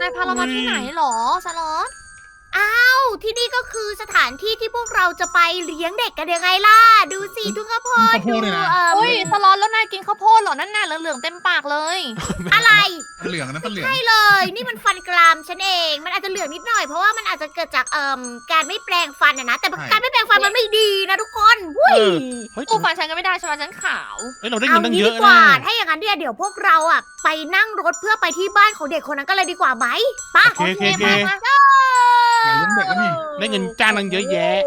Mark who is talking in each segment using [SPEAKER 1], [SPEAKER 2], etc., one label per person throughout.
[SPEAKER 1] ายพาเรามาที่ไหนหรอสล็อต
[SPEAKER 2] ที่นี่ก็คือสถานที่ที่พวกเราจะไปเลี้ยงเด็กกันยังไงล่ะ ดูสิทุ่งข้าวโพด
[SPEAKER 3] ข้าวโพดเลยนะ
[SPEAKER 1] เฮ้ยสล็อตแล้วนายกินข้าวโพดเหรอนั่นน่ะเหลืองๆเต็มปากเลย
[SPEAKER 2] อะไร
[SPEAKER 3] เหลืองนะเป็นเหลือง
[SPEAKER 2] ใช่เลย นี่มันฟันกรามฉันเอง มันอาจจะเหลืองนิดหน่อยเพราะว่ามันอาจจะเกิดจากการไม่แปรงฟันนะแต่การไม่แปรงฟันมันไม่ดีนะทุกคนวุ้ย
[SPEAKER 4] เฮ้ย
[SPEAKER 1] ตู้ฟันฉันก็ไม่ได้ใช่ไหมฉันขาว
[SPEAKER 4] เฮ้ยเราได้เงินตั้งเย
[SPEAKER 2] ดี
[SPEAKER 4] อะ
[SPEAKER 2] กว่า
[SPEAKER 4] นะ
[SPEAKER 2] ถ้าอย่างนั้นเดี๋ยวพวกเราไปนั่งรถเพื่อไปที่บ้านของเด็กคนนั้นก็เลยดีกว่าไหมป่ะ
[SPEAKER 4] โอเค
[SPEAKER 1] มา
[SPEAKER 3] อยากเลี้ยงเด็กแล้วนี่
[SPEAKER 4] ได้เงินจ้างตั้งเยอะแยะ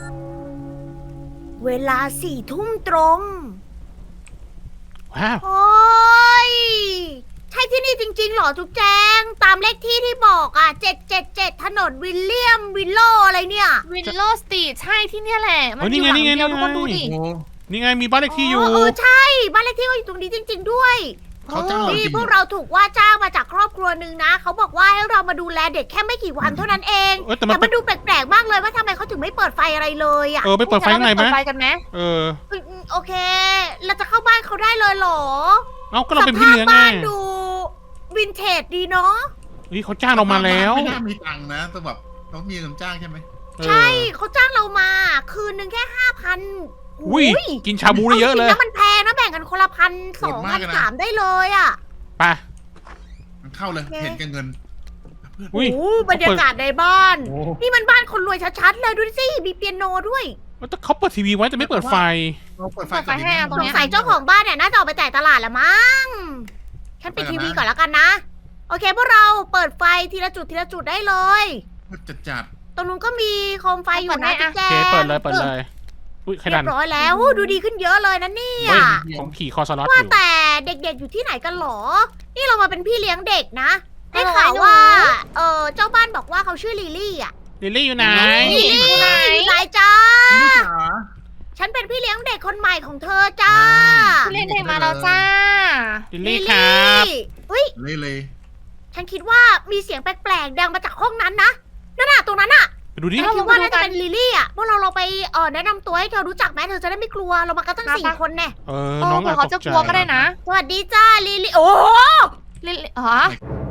[SPEAKER 2] เวลา4 ทุ่มตรง
[SPEAKER 4] ว้าว
[SPEAKER 2] โอ้ยใช่ที่นี่จริงๆเหรอจุ๊บแจง ตามเลขที่ที่บอก777ถนนวิลเลียมวิลโลอะไรเนี่ย
[SPEAKER 1] วินโลสตีใช่ที่เนี่ยแหละมัน
[SPEAKER 4] เฮ้ย
[SPEAKER 1] อยู่หลัง
[SPEAKER 4] นี่ไง
[SPEAKER 1] เดียวทุกคนดูดิ
[SPEAKER 3] โอ้
[SPEAKER 4] นี่ไงมีบ้านเลขที่อยู่
[SPEAKER 2] ใช่บ้านเลขที่ก็อยู่ตรงนี้จริง ๆด้วย
[SPEAKER 3] เขาจ้างเราจ
[SPEAKER 2] นี่
[SPEAKER 3] ริง
[SPEAKER 2] พวกเราถูกว่าจ้างมาจากครอบครัวหนึ่งนะ เขาบอกว่าให้เรามาดูแลเด็กแค่ไม่กี่วันเท่านั้นเอง
[SPEAKER 4] เออแต่
[SPEAKER 2] แต่
[SPEAKER 4] มัน
[SPEAKER 2] มันดูแปลกๆมากเลยว่าทำไมเขาถึงไม่เปิดไฟอะไรเลยอ่ะ
[SPEAKER 4] ไปเปิดไฟข้างในไหม
[SPEAKER 1] เปิดไฟกันไหม
[SPEAKER 4] เออ
[SPEAKER 2] โอเค เราจะเข้าบ้านเขาได้เลยเหรอ
[SPEAKER 4] เอ้าก็เราเป็นพี่เลี้ยง
[SPEAKER 2] สภาพ
[SPEAKER 4] ไง
[SPEAKER 2] บ้านดูวินเทจดีเนาะ
[SPEAKER 4] เฮ้ยเขาจ้างเรามาแล้ว
[SPEAKER 3] ไม่น่ามีตังค์นะแต่แบบต้องมีเงินจ้างใช่ไหม
[SPEAKER 4] เออ
[SPEAKER 2] ใช่เขาจ้างเรามา คืนนึงแค่5,000
[SPEAKER 4] อุ้ยกินชาบูได้เยอะเลย
[SPEAKER 2] าจริงๆแล้วมันแพงนะแบ่งกันคนละ1,200 1,300ได้เลยอ่ะ
[SPEAKER 4] ไป
[SPEAKER 3] มันเข้าเลย
[SPEAKER 2] โอเค
[SPEAKER 3] เห็นแกันเงิน
[SPEAKER 4] อุ้ย
[SPEAKER 2] โอ้บรรยากาศในบ้าน
[SPEAKER 3] โอ้
[SPEAKER 2] นี่มันบ้านคนรวยชัดๆเลยดูสิ มีเปียโนด้วย
[SPEAKER 4] แต่เขาเปิดทีวีไว้แต่ไม่เปิดไฟ
[SPEAKER 3] เราเปิดไฟ
[SPEAKER 1] เปิดไฟให้ตรง
[SPEAKER 2] สง
[SPEAKER 1] เนี้ย
[SPEAKER 2] สัยเจ้าของบ้านเนี่ยน่าจะออกไปจ่ายตลาดละมั้ง ฉันปิดทีวีก่อนแล้วกันนะ โอเคพวกเราเปิดไฟทีละจุดทีละจุดได้เลย
[SPEAKER 3] จัด
[SPEAKER 2] ตรงนู้นก็มีโคมไฟอยู่นะจุ๊บแจ
[SPEAKER 4] โอเค
[SPEAKER 2] ง
[SPEAKER 4] เปิดเลยอุ้ยใคร
[SPEAKER 2] เรี
[SPEAKER 4] ดั
[SPEAKER 2] ย
[SPEAKER 4] น
[SPEAKER 2] บร้อยแล้วโอ้ดูดีขึ้นเยอะเลยนะเนี่ย
[SPEAKER 4] เฮ้ยของขี่คอสล็อตอ
[SPEAKER 2] ว่า
[SPEAKER 4] ยู่
[SPEAKER 2] แต่เด็กๆอยู่ที่ไหนกันหรอ นี่เรามาเป็นพี่เลี้ยงเด็กนะ ได้ข่าวว่า เจ้าบ้านบอกว่าเขาชื่อลิลลี่อ่ะ
[SPEAKER 4] ลิลลี่อยู่ไหน
[SPEAKER 2] ลิลลี่อยู่ไหนจ้า
[SPEAKER 3] ๆนี่จ๋า
[SPEAKER 2] ฉันเป็นพี่เลี้ยงเด็กคนใหม่ของเธอจ้า
[SPEAKER 1] เล่นเด็กมาแล้วจ้า
[SPEAKER 4] ลิลลี่ครับ
[SPEAKER 2] เฮ้ย
[SPEAKER 3] เลย
[SPEAKER 2] ฉันคิดว่ามีเสียงแปลกๆดังมาจากห้องนั้นนะ นั่นน่ะตรงนั้นน่ะ
[SPEAKER 4] ไปดูดิ
[SPEAKER 2] ฉันคิดว่าน่าจะเป็นลิลลี่อ่ะ พวกเราไปแนะนำตัวให้เธอรู้จักไหมเธอจะได้ไม่กลัว เรามากันตั้ง
[SPEAKER 1] ครับ
[SPEAKER 2] 4 คนแน่
[SPEAKER 4] เออ
[SPEAKER 1] โอ้
[SPEAKER 4] น้อง
[SPEAKER 1] เผื่อเขาจะกลัวก็ได้นะ
[SPEAKER 2] สวัสดีจ้าลิลลี่ โอ้โห
[SPEAKER 1] เล่นอ๋อ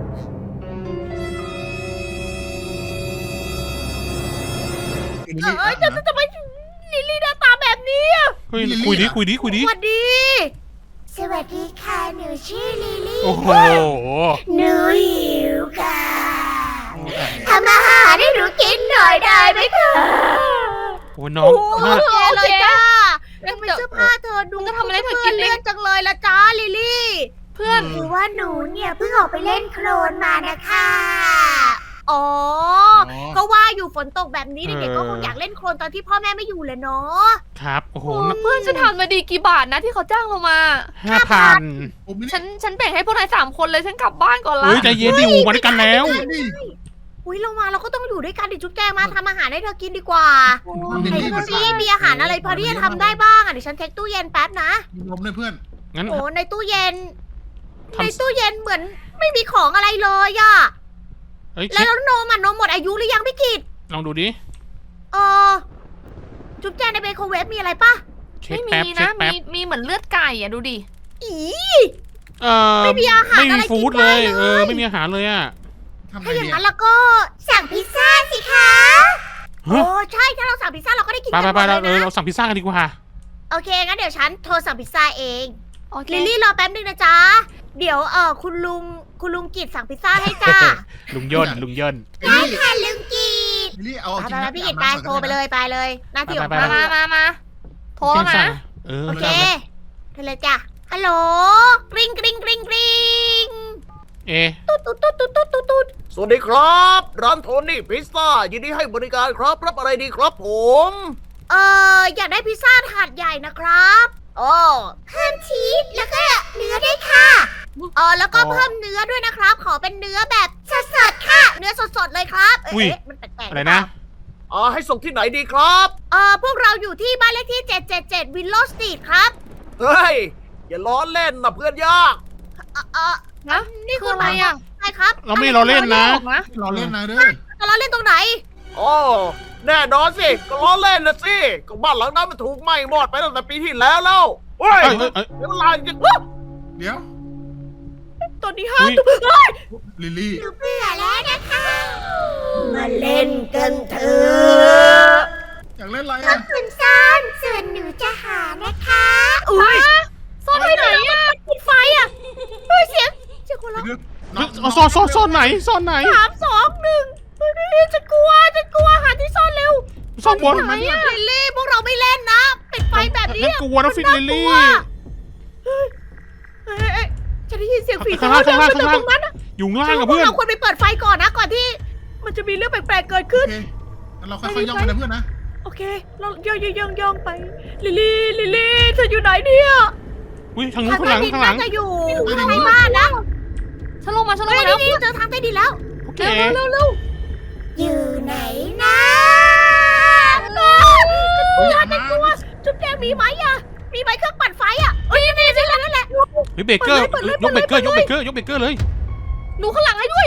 [SPEAKER 2] เอ้ยจะไม่ลิลลี่หน้าตาแบบนี้อะ
[SPEAKER 4] เฮ้ยคุยดิ
[SPEAKER 2] สวัสดี สวัสดีค่ะ หนูชื่อลิลลี่
[SPEAKER 4] โอ้โห
[SPEAKER 2] หนูหิวค่ะทำอาหารให้หนูกินหน่อยได้ไหมคะ
[SPEAKER 4] โอ้น้อง
[SPEAKER 2] โอเคเลยจ้า
[SPEAKER 1] เล่น
[SPEAKER 2] ทำไม
[SPEAKER 1] เดี๋ยว
[SPEAKER 2] เสื้อผ้าเธอดู
[SPEAKER 1] จะทำอะไรเธอกิน
[SPEAKER 2] เลื่อนจังเลยละจ้าลิลลี่
[SPEAKER 1] เพื่อน
[SPEAKER 2] คือว่าหนูเนี่ยเพิ่งออกไปเล่นโคลนมานะคะอ๋อ ก็ว่าอยู่ฝนตกแบบนี้เด็กๆก็คงอยากเล่นโคลนตอนที่พ่อแม่ไม่อยู่เลยเนาะ
[SPEAKER 4] ครับโอ้โห
[SPEAKER 1] เพื่อนฉันทำมาดีกี่บาทนะที่เขาจ้างเรามา
[SPEAKER 4] 5,000
[SPEAKER 3] ผมไม่ได้
[SPEAKER 1] ฉันแบ่งให้พวกนาย3 คนเลยฉันกลับบ้านก่อนละ
[SPEAKER 4] เฮ้ยใจเย็นดิอูมาด้วยกันแล้ว
[SPEAKER 3] นี่
[SPEAKER 2] อุ้ยเรามาเราก็ต้องอยู่ด้วยกันดิจุ๊บแจงมาทำอาหารให้เธอกินดีกว่า
[SPEAKER 3] ทำ
[SPEAKER 2] ไหน
[SPEAKER 3] ดี
[SPEAKER 2] ดู
[SPEAKER 3] ๆ
[SPEAKER 2] ซิมีอาหารอะไรพอที่จะทำได้บ้างอ่ะเดี๋ยวฉันเช็คตู้เย็นแป๊บนะ
[SPEAKER 3] มีลมด้วยเพื่อน
[SPEAKER 4] งั้น
[SPEAKER 2] โอ้ในตู้เย็น
[SPEAKER 4] ทำ
[SPEAKER 2] ในตู้เย็นเหมือนไม่มีของอะไรเลยอ่ะ
[SPEAKER 4] เอ้ย
[SPEAKER 2] แล้วนมนมหมดอายุหรือยังพี่กิต
[SPEAKER 4] ลองดูดิ
[SPEAKER 2] เออจุ๊บแจงในไมโครเวฟมีอะไรปะ
[SPEAKER 4] เช็ค
[SPEAKER 1] ไม่
[SPEAKER 4] แป๊บ
[SPEAKER 1] มี
[SPEAKER 4] เช็
[SPEAKER 1] นะ
[SPEAKER 4] คแป๊บ
[SPEAKER 1] มีเหมือนเลือดไก่อะดูดิ
[SPEAKER 2] อี
[SPEAKER 4] ไม่
[SPEAKER 2] มีอาหาร
[SPEAKER 4] ไม่
[SPEAKER 2] อะ
[SPEAKER 4] มี
[SPEAKER 2] ไร
[SPEAKER 4] ฟู้ด
[SPEAKER 2] กิน
[SPEAKER 4] เล
[SPEAKER 2] ได้
[SPEAKER 4] ย
[SPEAKER 2] เลย
[SPEAKER 4] ไม่มีอาหารเลยอ่ะ
[SPEAKER 3] ทำไง
[SPEAKER 2] ถ้าอย่าง
[SPEAKER 3] ดี
[SPEAKER 2] นั้นแล้วก็สั่งพิซซ่าสิคะ
[SPEAKER 4] ฮะ
[SPEAKER 2] โอ้ใช่ถ้าเราสั่งพิซซ่าเราก็ได้กิน
[SPEAKER 4] ไป
[SPEAKER 2] กันหม
[SPEAKER 4] ไป
[SPEAKER 2] ด
[SPEAKER 4] เรา
[SPEAKER 2] เลยนะ
[SPEAKER 4] เราสั่งพิซซ่ากันดีกว่า
[SPEAKER 2] โอเคงั้นเดี๋ยวฉันโทรสั่งพิซซ่าเอง
[SPEAKER 1] โอเค
[SPEAKER 2] ลิลลี่รอแป๊บนึงนะจ๊ะเดี๋ยวคุณลุงกิตสั่งพิซซ่าให้จ้า
[SPEAKER 4] ลุงย่นลุงย่น
[SPEAKER 3] ลิลลี่
[SPEAKER 2] ค่ะลุงกิต
[SPEAKER 3] ลิลลี่เอา
[SPEAKER 2] ไป
[SPEAKER 3] จริง
[SPEAKER 2] ไป
[SPEAKER 3] นะ
[SPEAKER 2] พี่กิต
[SPEAKER 3] อาบ
[SPEAKER 2] ไป
[SPEAKER 3] น้ำก่อน
[SPEAKER 2] โทรไปเลยไปเลยหน้าที่ของ
[SPEAKER 4] ไป
[SPEAKER 2] เรา
[SPEAKER 1] มาโทรแล้วนะ
[SPEAKER 4] เออ
[SPEAKER 2] โอ
[SPEAKER 4] ไม่
[SPEAKER 2] เค
[SPEAKER 4] ได้เลย
[SPEAKER 2] เธอเลยจ้ะฮัลโหลกริ๊งกริ๊งกริ๊งกริ๊ง
[SPEAKER 4] เอ๊ะ
[SPEAKER 2] ตุ๊ดตุ๊ดตุ๊ดตุ๊ดตุ๊ดตุ๊ดตุ๊ด
[SPEAKER 5] สวัสดีครับ ร้านโทนี่พิซซ่ายินดีให้บริการครับ รับอะไรดีครับผม
[SPEAKER 2] อยากได้พิซซ่าถาดใหญ่นะครับโอ้เพิ่มชีสแล้วก็เนื้อด้วยค่ะแล้วก็เพิ่มเนื้อด้วยนะครับ ขอเป็นเนื้อแบบสดๆค่ะ เนื้อสดๆเลยครับเอ๊ะมันแปลกๆ
[SPEAKER 4] อะไรนะ
[SPEAKER 5] ให้ส่งที่ไหนดีครับ
[SPEAKER 2] พวกเราอยู่ที่บ้านเลขที่777วิลโลสตรีทครับ
[SPEAKER 5] เฮ้ย อย่าล้อเล่นนะเพื่อนยาก
[SPEAKER 1] นะ
[SPEAKER 2] นี่
[SPEAKER 1] คืออะไรอ่ะ
[SPEAKER 2] ใช่ครับ
[SPEAKER 4] เราไม่รอเล่นนะ
[SPEAKER 3] เราเล่นนะเด้อ
[SPEAKER 2] เราเล่นตรงไหน
[SPEAKER 5] อ๋อแน่นอนสิ ก็ล้อเล่นนะสิ ก็บ้านหลังนั้นมันถูกไหม้หมดไปตั้งแต่ปีที่แล้วเฮ้ย
[SPEAKER 4] เอ้ย
[SPEAKER 5] เดี๋ยวเวลาจะ
[SPEAKER 3] เดี๋ยว
[SPEAKER 5] ตอนนี้ห้า
[SPEAKER 4] อุ๊ย
[SPEAKER 5] ทุ่มเฮ้ย
[SPEAKER 3] ลิลลี่
[SPEAKER 2] หนูเบื่อแล้วนะคะ มาเล่นกันเถอะ
[SPEAKER 3] อยากเล่นอะไร
[SPEAKER 2] ขอ
[SPEAKER 3] อ่ะ
[SPEAKER 2] บคุณซ่อนส่วนหนูจะหานะคะ
[SPEAKER 5] อุ้ย
[SPEAKER 1] ซ่อนไว้ไหนอะ
[SPEAKER 2] ปิดไฟอ่ะเฮ้ยเสียงคนร้อง
[SPEAKER 3] เดี๋ยว
[SPEAKER 4] เอาซ่อนไหนซ่อนไหน
[SPEAKER 2] 3 2 1เฮ้ยฉันกลัวหาที่ซ่อนเร็ว
[SPEAKER 4] ซ่อนบน
[SPEAKER 2] ไหนอะลิลลี่พวกเราไม่เล่นนะ ปิดไฟแบบนี้
[SPEAKER 4] ฉันกลัวนะฟิลลิลลี่
[SPEAKER 2] เฮ้ยจะได้ยินเสียงฝี
[SPEAKER 4] ข้า
[SPEAKER 2] เท้าง
[SPEAKER 4] ล่าง
[SPEAKER 2] เดิน
[SPEAKER 4] ข้าง
[SPEAKER 2] มา
[SPEAKER 4] ล่าง
[SPEAKER 2] จากตรงนั้นอะ
[SPEAKER 4] อยู่ข้างล่าง
[SPEAKER 2] ฉัน
[SPEAKER 4] กับ
[SPEAKER 2] ว่าพว
[SPEAKER 4] เพื่
[SPEAKER 2] ก
[SPEAKER 4] อน
[SPEAKER 2] เราควรไปเปิดไฟก่อนนะก่อนที่ มันจะมีเรื่องแปลกๆเกิดขึ้น
[SPEAKER 3] โอเคงั้นเราค่อยๆย่องไปนะเพื่อนนะ
[SPEAKER 2] โอเค เราย่องไปลิลลี่เธออยู่ไหนเนี่ย
[SPEAKER 4] อุ้ยทางนู้นข้างหลังข้างหลัง
[SPEAKER 2] น่าจะอยู่ข้างในบ้านนะ
[SPEAKER 1] ฉันลงมา
[SPEAKER 2] เฮ้ย
[SPEAKER 1] แล้ว
[SPEAKER 2] นี่เจอทางใต้ดินแล้ว
[SPEAKER 4] โอเค
[SPEAKER 2] เร็วอยู่ไหนนะ
[SPEAKER 3] เฮ้ยอย่ามา
[SPEAKER 2] จุ๊บแจงมีไหมอะมีไหมเครื่องปั่นไฟอะเอ้ยนี่นั่นแหละ
[SPEAKER 4] เฮ้ยเบเกอร์
[SPEAKER 2] เปิดเลย
[SPEAKER 4] ยกเบเกอร์ยกเบเกอร์ยกเบเกอร์เลย
[SPEAKER 1] หนูข้างหลังให้ด้วย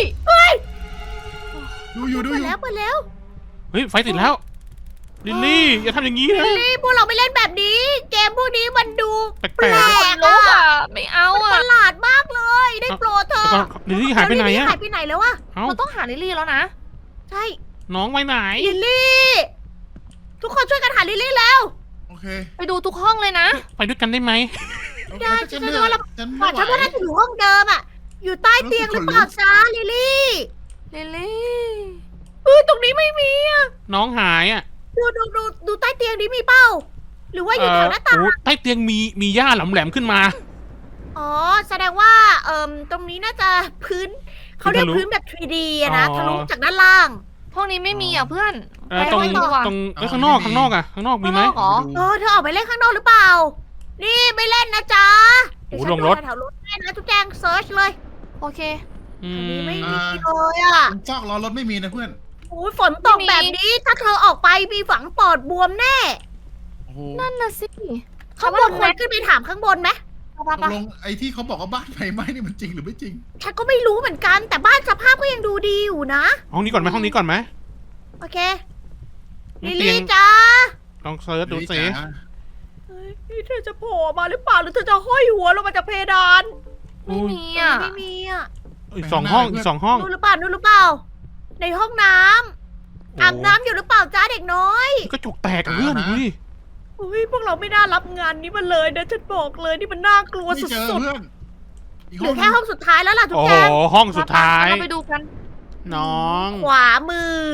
[SPEAKER 3] ดูอยู่
[SPEAKER 2] เปิดแล้ว
[SPEAKER 4] เฮ้ยไฟติดแล้วลิลลี่อย่าทำอย่างนี้นะ
[SPEAKER 2] นี่พวกเราไม่เล่นแบบนี้ เกมพวกนี้มันดู
[SPEAKER 4] แปล
[SPEAKER 2] แปล
[SPEAKER 4] ก
[SPEAKER 2] ก
[SPEAKER 1] ลูก
[SPEAKER 2] อะ
[SPEAKER 1] อะไม่เอา
[SPEAKER 2] มันป
[SPEAKER 1] อะ
[SPEAKER 2] ระหลาดมากเลย ได้โปรดเธ
[SPEAKER 4] ๆ
[SPEAKER 2] อ
[SPEAKER 4] แล้วก็ลิลลี่หายไปไหนอะ
[SPEAKER 2] หายไปไหนแล้วอะ
[SPEAKER 4] เอ้า
[SPEAKER 1] เราต้องหาลิลลี่แล้วนะ
[SPEAKER 2] ใช่
[SPEAKER 4] น้องไปไหน
[SPEAKER 2] ลิลลี่ ทุกคนช่วยกันหาลิลลี่แล้ว
[SPEAKER 3] โอเค
[SPEAKER 1] ไปดูทุกห้องเลยนะ
[SPEAKER 4] ไปด้วยกันได้ไหม
[SPEAKER 2] ได้
[SPEAKER 3] ฉัน
[SPEAKER 2] ฉัน
[SPEAKER 3] เหนื่
[SPEAKER 2] ว่า
[SPEAKER 3] อย
[SPEAKER 2] เรา
[SPEAKER 3] ฉัน
[SPEAKER 2] ก่
[SPEAKER 3] ไม่
[SPEAKER 2] อน
[SPEAKER 3] ไหว
[SPEAKER 2] ฉันว่าน่าจะอยู่ห้องเดิมอะอยู่ใต้เตียงหรือเปล่าจ้าลิลลี่
[SPEAKER 1] ลิลลี่
[SPEAKER 2] ตรงนี้ไม่มีอะ
[SPEAKER 4] น้องหายอ่ะ
[SPEAKER 2] ดูใต้เตียงนี้มีเป้า หรือว่าอยู่แถวหน้าต่าง
[SPEAKER 4] โอ้ใต้เตียงมีหญ้าแหลมๆขึ้นมา
[SPEAKER 2] อ๋อ แสดงว่าตรงนี้น่าจะพื้นเขาเรียก
[SPEAKER 4] ทะลุ
[SPEAKER 2] พื้นแบบ 3D อะนะ
[SPEAKER 4] อ๋อ
[SPEAKER 2] ทะลุจากด้านล่าง
[SPEAKER 1] ห้องนี้ไม่มีอะเพื่อน
[SPEAKER 4] ตรง
[SPEAKER 1] ไปห้องดีกว่า
[SPEAKER 4] ตรงข้างนอกข้างนอกอะข้างนอกมีไหม
[SPEAKER 1] ข้างนอกเหรอ
[SPEAKER 2] เธอออกไปเล่นข้างนอกหรือเปล่า นี่ไม่เล่นนะจ๊ะ
[SPEAKER 4] โอ้
[SPEAKER 2] เดี๋ยวฉัน
[SPEAKER 4] ลงรถ
[SPEAKER 2] ดูแถวๆรถให้นะทุกแจงเซิร์ชเลย
[SPEAKER 1] โอเค
[SPEAKER 4] อื
[SPEAKER 2] อัน
[SPEAKER 4] ม
[SPEAKER 2] นี้ไม่มีเลยอ่ะ
[SPEAKER 3] ตรงซอกล้อรถไม่มีนะเพื่อน
[SPEAKER 2] โอ้ยฝนตกแบบนี้ ถ้าเธอออกไปมีฝังปอดบวมแน่
[SPEAKER 3] โอ้โห
[SPEAKER 1] นั่นน่ะสิ
[SPEAKER 2] ข้างบนควรขึ้นไปถามข้างบนไหม
[SPEAKER 3] ตกลงไอ้ที่เขาบอกว่าบ้านไฟไหม้นี่มันจริงหรือไม่จริง
[SPEAKER 2] ฉันก็ไม่รู้เหมือนกัน แต่บ้านสภาพก็ยังดูดีอยู่นะ
[SPEAKER 4] ห้องนี้ก่อนไหมห้องนี้ก่อนไหม
[SPEAKER 2] โอเค ลิ
[SPEAKER 4] เตี
[SPEAKER 2] ลี่
[SPEAKER 4] ยง
[SPEAKER 2] จ้า
[SPEAKER 4] ลองเซิร์ชดูสิ
[SPEAKER 3] จ๋า
[SPEAKER 2] เฮ้ยเธอจะโผล่มาหรือเปล่าหรือเธอจะห้อยหัวลงมาจากเพดาน
[SPEAKER 1] ไม่มีอะ
[SPEAKER 2] ไม่มีอ่ะ
[SPEAKER 4] อีกสองห้องอีกสองห้อง
[SPEAKER 2] นู่นหรือเปล่านู่นหรือเปล่า ในห้องน้ำอาบน้ำอยู่หรือเปล่าจ้าเด็กน้อย
[SPEAKER 4] กระจกแตกอะเพื่อนดูดิ
[SPEAKER 2] อุ้ยพวกเราไม่น่ารับงานนี้มาเลยนะฉันบอกเลยนี่มันน่ากลัว
[SPEAKER 3] ไม่
[SPEAKER 2] สุ
[SPEAKER 3] เจอ
[SPEAKER 2] ด
[SPEAKER 3] เพื่อนอีก
[SPEAKER 2] ๆเห ลือ
[SPEAKER 3] ห้อง
[SPEAKER 2] แค่ห้องสุดท้ายแล้วล่ะทุก
[SPEAKER 4] โอ้
[SPEAKER 2] แจ
[SPEAKER 4] โห
[SPEAKER 2] ง
[SPEAKER 4] ห้องสุดท้าย
[SPEAKER 1] เราไปดูกัน
[SPEAKER 4] น้อง
[SPEAKER 2] ขวามือ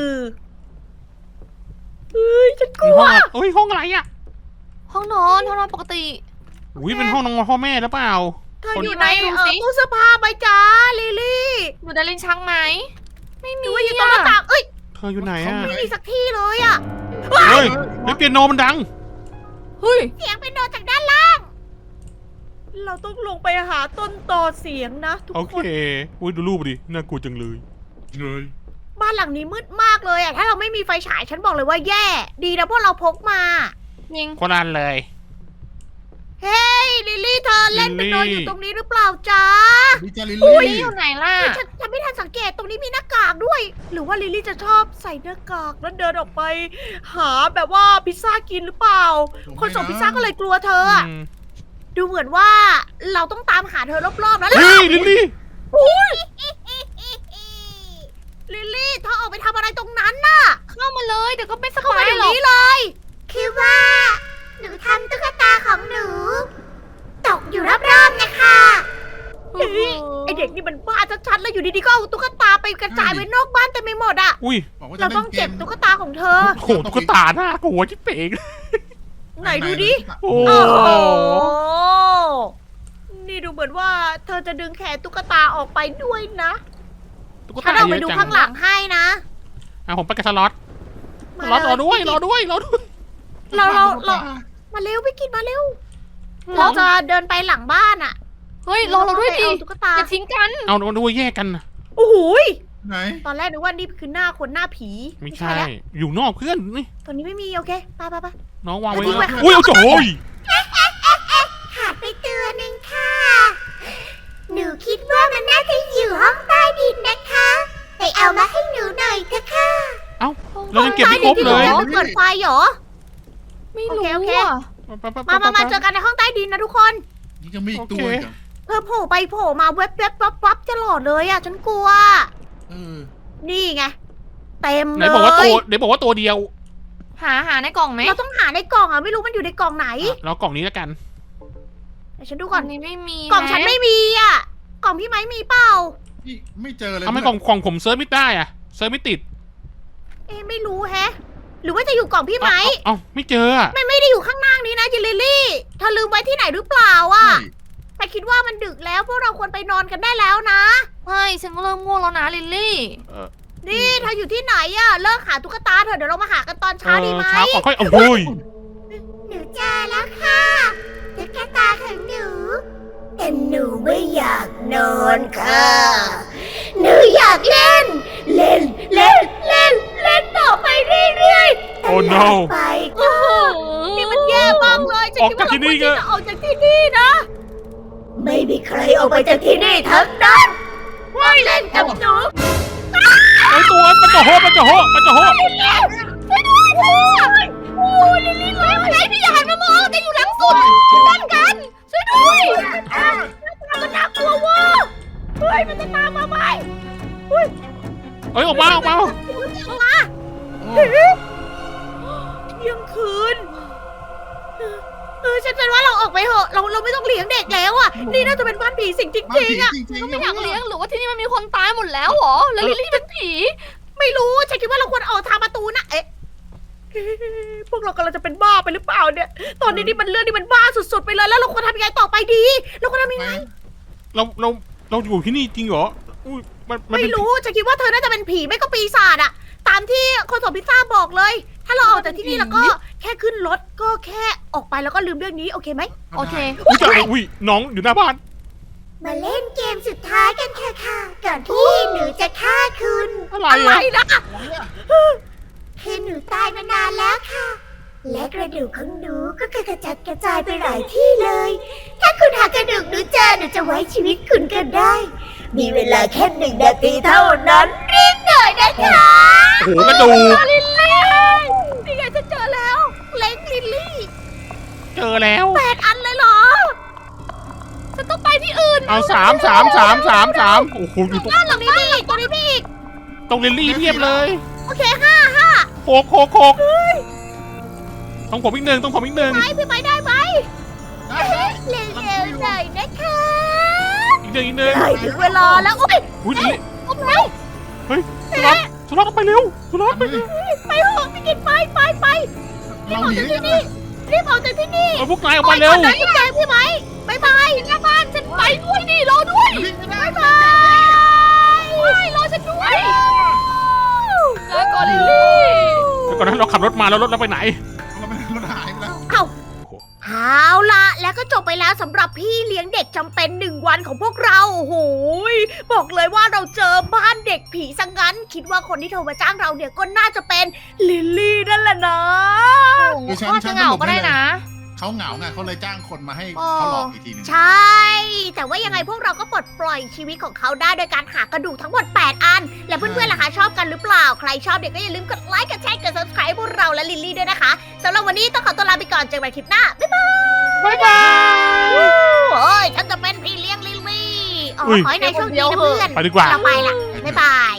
[SPEAKER 2] เฮ้ยฉันกลัว
[SPEAKER 4] ห้องอุ้ยห้องอะไรอะ
[SPEAKER 1] ห้องนอนปกติ
[SPEAKER 4] อุ้ยเป็นห้องน้องพ่อแม่หรือเปล่า
[SPEAKER 2] เธอ
[SPEAKER 4] คน
[SPEAKER 2] อยู่ใน
[SPEAKER 1] ดูสิ
[SPEAKER 2] ตู้เสื้อผ้าไหมจ้าลิลลี่
[SPEAKER 1] อยู่ในลิ้นชักไหม ไม่
[SPEAKER 2] ห
[SPEAKER 1] มี
[SPEAKER 2] รือว่าอยู่ตรงหน้าต่างเอ้ย
[SPEAKER 4] เธออยู่ไหนอะ
[SPEAKER 2] ไม่มีสักที่เลยอ่ะ
[SPEAKER 4] เฮ้ยเฮ้ยเปียโนมันดัง
[SPEAKER 1] เฮ้ย
[SPEAKER 2] เสียงเป็นโดนจากด้านล่าง เราต้องลงไปหาต้นตอเสียงนะทุก
[SPEAKER 4] โอ
[SPEAKER 2] ค
[SPEAKER 4] เคน อุ้ยดูรูปดิน่ากลัวจังเลย
[SPEAKER 3] เลย
[SPEAKER 2] บ้านหลังนี้มืดมากเลยอ่ะถ้าเราไม่มีไฟฉายฉันบอกเลยว่าแย่ ดีนะพวกเราพกมา
[SPEAKER 1] ยิง
[SPEAKER 4] คนละอันเลย
[SPEAKER 2] เฮ้ยลิลลี่เธอเล่นเป็นโดนอยู่ตรงนี้หรือเปล่าจ๊ะ
[SPEAKER 3] วิจาริล
[SPEAKER 1] ลิล
[SPEAKER 3] ลี่
[SPEAKER 1] ลี่อยู่ไหนล่ะ
[SPEAKER 2] ฉันไม่ทันสังเกตตรงนี้มีหน้ากากด้วย หรือว่าลิลลี่จะชอบใส่หน้ากากแล้วเดินออกไป หาแบบว่าพิซซ่ากินหรือเปล่า คนส่งพิซซ่าก็เลยกลัวเธออะ
[SPEAKER 4] ม
[SPEAKER 2] ดูเหมือนว่าเราต้องตามหาเธอรอบๆแล้ว
[SPEAKER 4] เฮ้ยลิลลี่
[SPEAKER 2] ลิลลี่เธอออกไปทำอะไรตรงนั้นน่ะ
[SPEAKER 1] เข้ามาเลยเดี๋ยวก็ไม่ส
[SPEAKER 2] เข้า
[SPEAKER 1] บา
[SPEAKER 2] มา
[SPEAKER 1] ย
[SPEAKER 2] เดี๋ยว
[SPEAKER 1] หรอก
[SPEAKER 2] นี้เลย คือว่า หนูทำตุ๊กตาของหนู ตกอยู่รอบๆนะคะ
[SPEAKER 1] โอ้โห
[SPEAKER 2] ไอเด็กนี่มันบ้าชัดๆแล้วอยู่ดีๆก็เอาตุ๊กตาไปกระจายไว้นอกบ้านเต็มไปหมดอ่ะ
[SPEAKER 4] อุ้ย
[SPEAKER 3] บอกว่าจะ
[SPEAKER 2] เรา
[SPEAKER 3] เล่
[SPEAKER 2] ต้อง
[SPEAKER 3] นเก
[SPEAKER 2] เก็บ
[SPEAKER 3] ม
[SPEAKER 2] ตุ๊กตาของเธอ
[SPEAKER 4] โหตุ๊กตาหน้ากลัวชิบเป๋ง
[SPEAKER 2] ไหนดูดิ
[SPEAKER 4] โอ้
[SPEAKER 2] โอ้
[SPEAKER 4] โห
[SPEAKER 2] โห นี่ดูเหมือนว่าเธอจะดึงแขนตุ๊กตาออกไปด้วยนะ
[SPEAKER 4] ตุ๊ก
[SPEAKER 2] ฉั
[SPEAKER 4] ตาน
[SPEAKER 2] เอาไป
[SPEAKER 4] เย
[SPEAKER 2] ดู
[SPEAKER 4] อะจัง
[SPEAKER 2] ข้างหลังให้นะ
[SPEAKER 4] อ่ะผมไปกับสล็อต
[SPEAKER 2] มา
[SPEAKER 4] สล็อตรอด้วย
[SPEAKER 2] เลย
[SPEAKER 4] รอด้วยรอด้วย
[SPEAKER 2] เรามาเร็วพี่กินมาเร็ว เราจะเดินไปหลังบ้านอ่ะ
[SPEAKER 1] เฮ้ยรอเราด้วยดิ
[SPEAKER 2] เอาตุ๊กตา
[SPEAKER 1] อย่าทิ้งกัน
[SPEAKER 4] เอาด้วยแยกกันนะ
[SPEAKER 2] โอ้โหย
[SPEAKER 3] ไหน
[SPEAKER 2] ตอนแรกนึกว่านี่คือหน้าคนหน้าผี
[SPEAKER 4] ไม่ใช่
[SPEAKER 2] แล้ว
[SPEAKER 4] อยู่นอกเพื่อนนี่
[SPEAKER 2] ตัวนี้ไม่มีโอเคไปไปไป
[SPEAKER 4] น้องวางไว้
[SPEAKER 2] เอาทิ้งไว้
[SPEAKER 4] อุ้ยเอาโจ้ย
[SPEAKER 2] ขาดไปตัวหนึ่งค่ะ หนูคิดว่ามันน่าจะอยู่ห้องใต้ดินนะคะไปเอามาให้หนูหน่อยเถอะค่ะ
[SPEAKER 4] เอ้าเรายังเก็บไม่ครบเลย
[SPEAKER 2] ห้องใต้ดินที่หนูเปิดไฟเหรอ
[SPEAKER 1] ไม่รู้
[SPEAKER 2] โอเค
[SPEAKER 1] อ่ะ
[SPEAKER 2] มาเจอกันในห้องใต้ดินนะทุกคน
[SPEAKER 3] นี่จะมีอีกตัวอีกเหรอ
[SPEAKER 2] เธอโผล่ไปโผล่มาแวบแวบวับวับตลอดเลยอะฉันกลัว
[SPEAKER 3] เออ
[SPEAKER 2] นี่ไงเต็ม
[SPEAKER 4] ไห
[SPEAKER 2] เล
[SPEAKER 4] น
[SPEAKER 2] ย
[SPEAKER 4] บอกว่าตัวเดียว
[SPEAKER 1] หาในกล่องไหม
[SPEAKER 2] เราต้องหาในกล่องอะไม่รู้มันอยู่ในกล่องไหน
[SPEAKER 4] เรากล่องนี้แล้วกัน
[SPEAKER 2] เดี๋ยวฉันดู
[SPEAKER 1] ก
[SPEAKER 2] ก่
[SPEAKER 1] ล่
[SPEAKER 2] อ
[SPEAKER 1] อน งนี้ไม่มี
[SPEAKER 2] กล่องฉันไม่มีอะกล่องพี่ไม้มีเปล่า
[SPEAKER 3] นี่ไม่เจอเลย
[SPEAKER 4] ทำไมกล่องผมเซิร์ชไม่ได้อะเซิร์ชไม่ติด
[SPEAKER 2] เอ๊ะไม่รู้แฮะ หรือว่าจะอยู่กล่องพี่ไม้
[SPEAKER 4] เอ้าไม่เจออะ
[SPEAKER 2] มันไม่ได้อยู่ข้างล่างนี้นะจิลลิลลี่เธอลืมไว้ที่ไหนหรือเปล่าอะ
[SPEAKER 3] ใช่
[SPEAKER 2] แต่คิดว่ามันดึกแล้วพวกเราควรไปนอนกันได้แล้วนะ
[SPEAKER 1] ใช่ฉันก็เริ่มง่วงแล้วนะลิลลี่
[SPEAKER 2] นี่เธออยู่ที่ไหนอะเลิกหาตุ๊กตาเถอะเดี๋ยวเรามาหากันตอนเช้าดีไหม
[SPEAKER 4] เช้าก่อนค่อยโอ้ย
[SPEAKER 2] หนูเจอแล้วค่ะตุ๊กตาของหนูแต่หนูไม่อยากนอนค่ะ หนูอยากเล่น เล่นต่อไปเรื่อยๆ
[SPEAKER 4] โอ้ no
[SPEAKER 2] ไปโอ้โหนี่มันแย่มากเลยฉันคิดว่า
[SPEAKER 4] ออกจากที่นี่
[SPEAKER 2] เราควร
[SPEAKER 4] ก็
[SPEAKER 2] จะออกจากที่นี่นะ ไม่มีใครออกไปจากที่นี่ทั้งนั้นว่าเล่นกับหนู
[SPEAKER 4] ไอตัวมันจะโหมันจะโห
[SPEAKER 2] ช่วยด้วยโอ้ยลิลลี่เลยอะไรพี่อย่าหันมามองแต่อยู่หลังสุดด้านกันช่วยด้วย มันน่ากลัวว่ะเฮ้ยมันจะตามมาไหม
[SPEAKER 4] เอ้ยออกมา
[SPEAKER 2] ออกมา
[SPEAKER 3] โอ้
[SPEAKER 2] เที่ยงคืนฉันว่าเราออกไปเถอะเราไม่ต้องเลี้ยงเด็กแล้วอ่ะนี่น่าจะเป็นบ้านผีสิงจ
[SPEAKER 3] บ้าน
[SPEAKER 2] ริง
[SPEAKER 3] ผี
[SPEAKER 2] ๆอ่ะ
[SPEAKER 3] จริงๆ
[SPEAKER 1] ไม่อยากเลี้ยงหรือว่าที่นี่มันมีคนตายหมดแล้วเหรอ แล้วลิลลี่เป็นผี
[SPEAKER 2] ไม่รู้ฉันคิดว่าเราควรออกทางประตูนะเอ๊ะพวกเรากำลังจะเป็นบ้าไปหรือเปล่าเนี่ยตอนนี้นี่มันเรื่องนี่มันบ้าสุดๆไปเลยแล้วเราควรทำยังไงต่อไปดีเราควรทำยังไง
[SPEAKER 4] เราอยู่ที่นี่จริงเหรออุ้ยมัน
[SPEAKER 2] ไม่
[SPEAKER 4] เป็น
[SPEAKER 2] รู้ฉันคิดว่าเธอน่าจะเป็นผีไม่ก็ปีศาจอะตามที่คนส่งพิซซ่าบอกเลย ถ้าเราออกจากที่นี่แล้วก็แค่ขึ้นรถก็แค่ออกไปแล้วก็ลืมเรื่องนี้โอเคไหม
[SPEAKER 1] โอเค
[SPEAKER 4] อุ้ยน้องอยู่หน้าบ้าน
[SPEAKER 2] มาเล่นเกมสุดท้ายกันค่ะก่อนที่หนูจะฆ่าคุณ
[SPEAKER 4] อะไร
[SPEAKER 2] อะไร
[SPEAKER 4] อะ
[SPEAKER 2] นะคือหนูตายมานานแล้วค่ะ และกระดูกของหนูก็กระจัดกระจายไปหลายที่เลย ถ้าคุณหากระดูกหนูเจอหนูจะไว้ชีวิตคุณกันได้ มีเวลาแค่1 นาทีเท่านั้นรีบหน่อยนะคะ
[SPEAKER 4] โอ้โหกระดูก
[SPEAKER 2] ลิลลี่นี่ไงฉันเจอแล้ว เล้งลิลลี่
[SPEAKER 4] เจอแล้ว
[SPEAKER 2] 8 อันเลยเหรอ
[SPEAKER 1] ฉันต้องไปที่อื่น
[SPEAKER 4] เอา3โอ้โหอยู่ตรง
[SPEAKER 2] บ้านหลังนี้พี่อีกตัวนี้พี่อีก
[SPEAKER 4] ตรงลิลลี่เทียบเลย
[SPEAKER 2] โอเค5
[SPEAKER 4] โคกต้องผมอีกหนึ่ง
[SPEAKER 2] ไปพี่ไปได้ไหม
[SPEAKER 3] ได้
[SPEAKER 2] เร็วๆหน่อยนะคะ
[SPEAKER 4] อีกหนึ่ง
[SPEAKER 2] ได้ถึงเวลาแล้วโอ้ย
[SPEAKER 4] อุ้ยลิลลี่
[SPEAKER 2] ออกแล้ว
[SPEAKER 4] เฮ้ยสุรัตน์ไปเร็วสุรัตน์ไป
[SPEAKER 2] ไปเถอะพี่กินไปรีบ
[SPEAKER 3] เรา
[SPEAKER 2] ออก
[SPEAKER 3] หนี
[SPEAKER 2] จาก
[SPEAKER 3] ได้
[SPEAKER 2] ที่
[SPEAKER 3] ยังไง
[SPEAKER 2] นี่รีบออกจากที่นี่
[SPEAKER 4] เอาพวกนายออกมาเร็ว
[SPEAKER 2] ไปก่อนนะพี่แจงพี่ไหมบายบายหน้าบ้านฉันไปด้วยนี่รอด้วย
[SPEAKER 3] วิ่งไม่ได้
[SPEAKER 2] บายรอฉันด้วย
[SPEAKER 1] ลาก่อนลิลลี่
[SPEAKER 4] เดี๋ยวก่อนนะเราขับรถมาแล้วรถเราไปไหน
[SPEAKER 3] เราไม่รถหายไปแล้ว
[SPEAKER 2] เอาล่ะแล้วก็จบไปแล้วสำหรับพี่เลี้ยงเด็กจำเป็น1 วันของพวกเราโอ้โหยบอกเลยว่าเราเจอบ้านเด็กผีซะงั้น คิดว่าคนที่โทรมาจ้างเราเนี่ยก็น่าจะเป็นลิลลี่นั่นแหละนะ
[SPEAKER 3] เดี๋ยวฉัน
[SPEAKER 1] ก็จะเหงาก็ได้นะ
[SPEAKER 3] เขาเหงาไงเขาเลยจ้างคนมาให้
[SPEAKER 2] อ๋อ
[SPEAKER 3] เขาหลอกอีกทีหนึง
[SPEAKER 2] ใช่ แต่ว่ายังไงพวกเราก็ปลดปล่อยชีวิตของเขาได้โดยการหากระดูกทั้งหมด 8 อัน และเพื่อนๆล่ะคะชอบกันหรือเปล่า ใครชอบเด็กก็อย่าลืมกดไลค์ กดแชร์ กด subscribe พวกเราและลิลลี่ด้วยนะคะสำหรับวันนี้ต้องขอตัวลาไปก่อนเจอกันใหม่คลิปหน้า บ๊ายบาย
[SPEAKER 4] บ๊ายบาย
[SPEAKER 2] โอ้ยฉันจะเป็นพี่เลี้ยงลิลลี่อ๋อ
[SPEAKER 4] อุ๊ย
[SPEAKER 2] ขอให้นายโชคดีนะเพื่อน
[SPEAKER 4] ไปดีกว่า
[SPEAKER 2] เราไปละบ๊ายบาย